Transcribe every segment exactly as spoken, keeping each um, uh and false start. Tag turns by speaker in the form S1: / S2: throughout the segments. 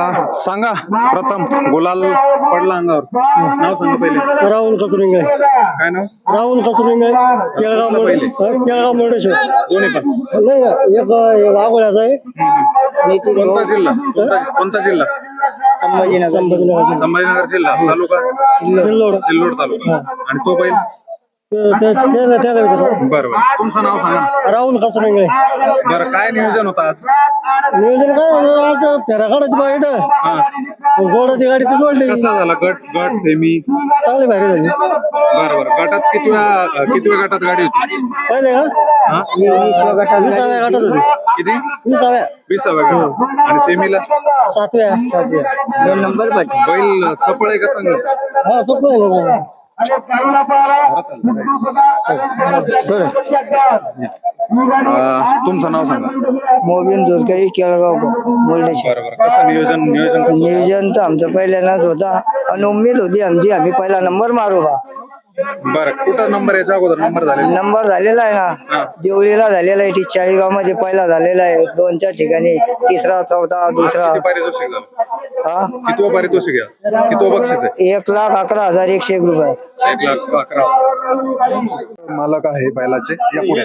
S1: सांगा प्रथम गुलाल पडला अंगावर, नाव सांगा पहिले.
S2: राहुल कचुरिंग आहे.
S1: काय नाव?
S2: राहुल कचुरिंग आहे. केळगाव
S1: कसलं पहिले?
S2: केळगाव मुर्डेश्वर.
S1: दोन्ही पण.
S2: नाही ना, एक वाघोल्याचा आहे.
S1: कोणता जिल्हा? कोणता कोणता जिल्हा?
S2: संभाजीनगर. संभाजीनगर.
S1: संभाजीनगर जिल्हा. तालुका
S2: सिल्लोड.
S1: सिल्लोड तालुका. आणि तो बैल
S2: बरं.
S1: बरोबर. तुमचं नाव सांगा.
S2: राहुल कचुरिंग आहे.
S1: बरं, काय नियोजन होतं आज?
S2: नियोजन काय झालं, आज फेरा काढायची बाईट
S1: हा.
S2: गोडाची गाडी ती जोडली.
S1: कसा झाला गट गट सेमी?
S2: चांगली भारी झाली.
S1: बरं बरं. गटात किती वेळा किती वेळ गटात गाडी होती?
S2: पहिले का
S1: हा?
S2: विसाव्या गटात विसाव्या गटात होती.
S1: किती?
S2: विसाव्या
S1: विसाव्या गटात. आणि सेमीला
S2: सातव्या सातव्या दोन नंबर पाठी.
S1: बैल चपळ आहे का चांगलं?
S2: हा तो पण
S1: अं, तुमचं नाव सांगा.
S2: मोबिन दुर्गडी केळगाव मुर्डेश्वर.
S1: बरोबर. कसं नियोजन नियोजन कसं?
S2: नियोजन तर आमचं पहिल्यांदाच होता आणि उमेद होती आमची, आम्ही पहिला नंबर मारू बा.
S1: बरं, कुठं नंबर याच्या अगोदर नंबर झाले?
S2: नंबर झालेला आहे ना, देवळीला झालेला आहे, ती चाळीगाव मध्ये पहिला झालेला आहे, दोन चार ठिकाणी तिसरा चौथा दुसरा.
S1: किती पारितोषिक झालं?
S2: हा
S1: किती पारितोषिक आहे? किती बक्षीस आहे?
S2: एक लाख अकरा हजार एकशे एक रुपये.
S1: एक लाख अकरा. मालक आहे बैलाचे. या पुढे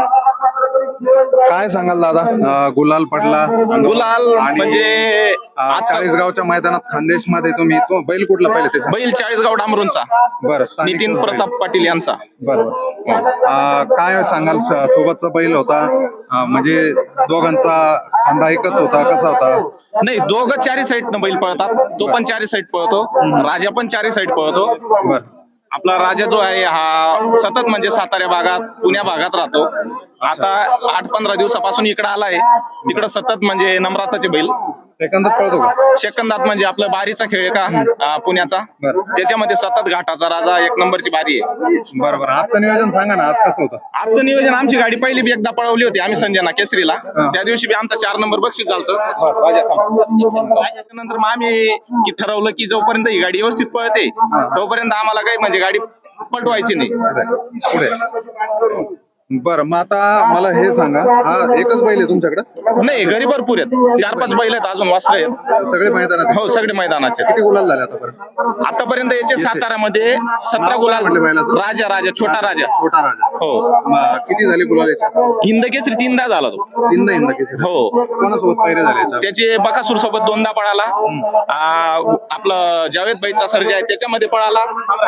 S1: काय सांगाल दादा? अं, गुलाल पडला
S3: गुलाल
S1: आणि,
S3: म्हणजे
S1: अं, चाळीसगावच्या मैदानात खानदेश मध्ये तुम्ही तो बैल कुठला पहिले ते सांगा.
S3: बैल चाळीसगाव डांबरूनचा
S1: बरं. स्थानिक
S3: नितीन
S1: बैल.
S3: प्रताप पाटील यांचा.
S1: बरोबर. अं, काय सांगाल? स- सोबतचा बैल होता, अं, म्हणजे दोघांचा खांदा एकच होता, कसा होता?
S3: नाही, दोघं चारी साईड न बैल पळतात. तो पण चारी साईड पळतो, राजा पण चारी साईड पळतो.
S1: बरं.
S3: आपला राजा जो आहे हा सतत म्हणजे सातारा भागात पुण्या भागात राहतो. आता आठ पंधरा दिवसापासून इकडे आलाय. तिकडं सतत म्हणजे नम्राताचे बैल
S1: सेकंदात पळतो का?
S3: सेकंदात म्हणजे आपलं बारीचा खेळ आहे का अं, पुण्याचा,
S1: बरं.
S3: त्याच्यामध्ये सतत घाटाचा राजा एक नंबरची बारी आहे.
S1: बरोबर. आजचं नियोजन सांगा ना, आज कसं होतं?
S3: आजचं नियोजन, आमची गाडी पहिली बी एकदा पळवली होती आम्ही संजना केसरीला. त्या दिवशी बी आमचा चार नंबर बक्षीस झालतं. त्यानंतर मग आम्ही की ठरवलं की जोपर्यंत ही गाडी व्यवस्थित पळते तोपर्यंत आम्हाला काही म्हणजे गाडी पलटवायची नाही.
S1: पुढे. बरं, मग आता मला हे सांगा, हा एकच बैल आहे तुमच्याकडे?
S3: नाही, घरी भरपूर आहेत, चार पाच बैल आहेत, अजून वासरे आहेत.
S1: सगळे मैदानात?
S3: हो, सगळे मैदानाचे.
S1: किती गुलाल झाले आतापर्यंत?
S3: आतापर्यंत याचे सातारामध्ये सतरा गुलाल.
S1: म्हटलं बैलाचं?
S3: राजा राजा छोटा राजा.
S1: छोटा राजा.
S3: हो.
S1: मग किती झाले गुलाल याच्यात?
S3: हिंद केसरी तीनदा झाला तो.
S1: तीनदा हिंद केसरी.
S3: हो.
S1: कोणासोबत पायरे झाले याच्यात?
S3: त्याचे बकासूर सोबत दोनदा पळाला. आ, आपलं जावेद भाईचा सर्जा आहे त्याच्यामध्ये पळाला.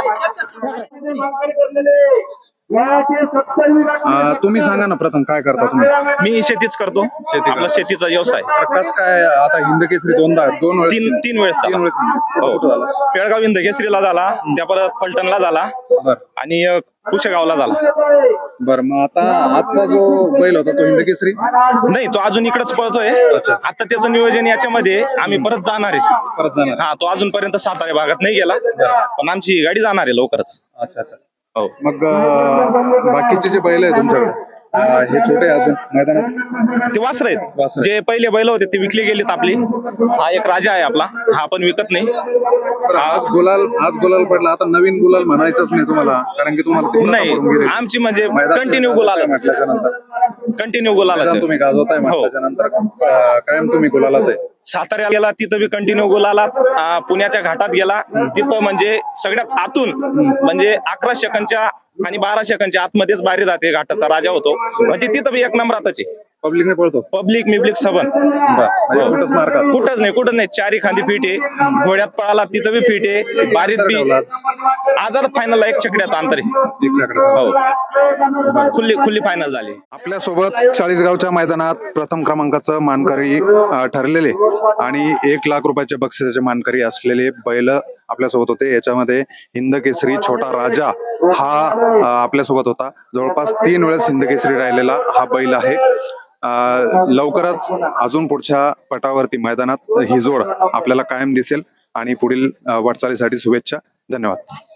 S1: अं, तुम्ही सांगा ना प्रथम, काय करता तुम्ही?
S3: मी शेतीच करतो.
S1: शेती
S3: आपला शेतीचा व्यवसाय.
S1: कस काय आता हिंद केसरी दोनदा दोन वेळेस
S3: तीन तीन वेळेस
S1: तीन
S3: झाला.
S1: वेळेस
S3: हो.
S1: कुठं झाला?
S3: पेळगाव हिंद केसरीला झाला, त्या परत फलटणला झाला
S1: बर
S3: आणि अ, पुशेगावला झाला.
S1: बर मग आता आजचा जो बैल होता तो हिंद केसरी?
S3: नाही, तो अजून इकडेच पळतोय. आता त्याचं नियोजन याच्यामध्ये आम्ही परत जाणार आहे.
S1: परत जाणार?
S3: हा, तो अजूनपर्यंत सातारा भागात नाही गेला, पण आमची गाडी जाणार आहे लवकरच.
S1: अच्छा अच्छा.
S3: हो.
S1: मग अं, बाकीचे जे बैल आहे तुमच्याकडे, अं, हे छोटे अजून मैदानात?
S3: ते वासर आहेत.
S1: वासरं.
S3: जे पहिले बैल होते ते विकले गेलेत आपली. हा एक राजा आहे आपला, हा पण विकत नाही.
S1: बरं, आज गुलाल आज गुलाल पडला, आता नवीन गुलाल म्हणायचंच नाही तुम्हाला, कारण की तुम्हाला ती प्रथा
S3: नाही,
S1: पडून गेली.
S3: आमची म्हणजे
S1: मैदान
S3: कंटिन्यू गुलाल
S1: म्हटल्याच्या नंतर
S3: कंटिन्यू गुलाल
S1: मैदान तुम्ही गाजवताय म्हटल्याच्या नंतर अं, कायम तुम्ही गुलालात आहे.
S3: साताऱ्याला गेला तिथं बी कंटिन्यू गुलाला. अं, पुण्याच्या घाटात गेला तिथं म्हणजे सगळ्यात आतून म्हणजे अकरा सेकंदच्या आणि बारा सेकंदच्या आतमध्येच बारी राहते, घाटाचा राजा होतो. म्हणजे तिथं बी एक नंबरातच आहे.
S1: पब्लिकने पळतो?
S3: पब्लिक मिब्लिक सबन
S1: म्हणजे कुठंच मार्गात?
S3: कुठंच नाही, कुठं नाही. चारी खांदी फिट आहे, घोड्यात पळाला तिथं बी फिट आहे, बारीत बी. आज आता फायनलला एक चकड्याचं अंतर आहे. हो, खुल्ली खुल्ली फायनल झाली.
S1: आपल्या सोबत चाळीसगावच्या मैदानात प्रथम क्रमांकाचं मानकरी अं, ठरलेले आणि एक लाख रुपयाच्या बक्षिसाचे मानकरी असलेले बैल आपल्यासोबत होते. याच्यामध्ये हिंद केसरी छोटा राजा हा अं, आपल्यासोबत होता. जवळपास तीन वेळेस हिंद केसरी राहिलेला हा बैल आहे. अं, लवकरच अजून पुढच्या पटावरती मैदानात ही जोड आपल्याला कायम दिसेल आणि पुढील अं, वाटचालीसाठी शुभेच्छा. धन्यवाद.